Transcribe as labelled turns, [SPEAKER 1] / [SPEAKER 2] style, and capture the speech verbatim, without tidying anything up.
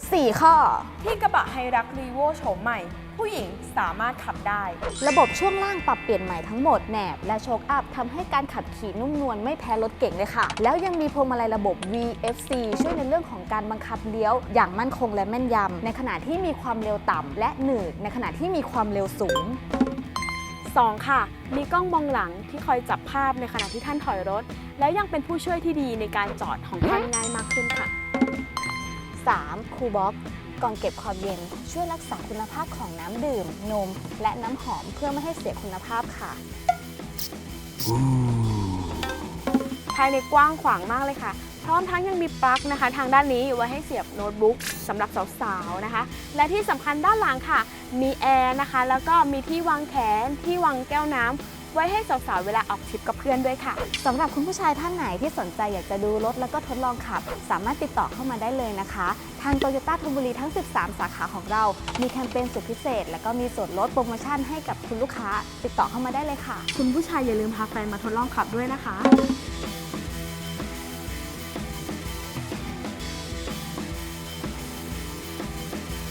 [SPEAKER 1] สี่ ข้อ
[SPEAKER 2] ที่กระบะไฮรักรีโวโฉมใหม่ผู้หญิงสามารถขับได้
[SPEAKER 1] ระบบช่วงล่างปรับเปลี่ยนใหม่ทั้งหมดแหนบและโชคอัพทำให้การขับขี่นุ่มนวลไม่แพ้รถเก่งเลยค่ะแล้วยังมีพวงมาลัยระบบ วี เอฟ ซี ช่วยในเรื่องของการบังคับเลี้ยวอย่างมั่นคงและแม่นยำในขณะที่มีความเร็วต่ำและหนืดในขณะที่มีความเร็วสูง
[SPEAKER 2] สองค่ะ มีกล้องมองหลังที่คอยจับภาพในขณะที่ท่านถอยรถแล้วยังเป็นผู้ช่วยที่ดีในการจอดของท่านง่ายมากขึ้นค่ะ
[SPEAKER 1] สาม คูลบ็อกซ์กล่องเก็บความเย็นช่วยรักษาคุณภาพของน้ำดื่มนมและน้ำหอมเพื่อไม่ให้เสียคุณภาพค่ะ
[SPEAKER 2] ภายในกว้างขวางมากเลยค่ะพร้อมทั้งยังมีปลั๊กนะคะทางด้านนี้ไว้ให้เสียบโน้ตบุ๊กสำหรับสาวๆนะคะและที่สำคัญด้านหลังค่ะมีแอร์นะคะแล้วก็มีที่วางแขนที่วางแก้วน้ำไว้ให้สาวๆเวลาออกทริปกับเพื่อนด้วยค่ะ
[SPEAKER 1] สำหรับคุณผู้ชายท่านไหนที่สนใจอยากจะดูรถแล้วก็ทดลองขับสามารถติดต่อเข้ามาได้เลยนะคะทางโตโยต้าธนบุรีทั้งสิบสามสาขาของเรามีแคมเปญสุดพิเศษและก็มีส่วนลดโปรโมชั่นให้กับคุณลูกค้าติดต่อเข้ามาได้เลยค่ะ
[SPEAKER 2] คุณผู้ชายอย่าลืมพาแฟนมาทดลองขับด้วยนะคะ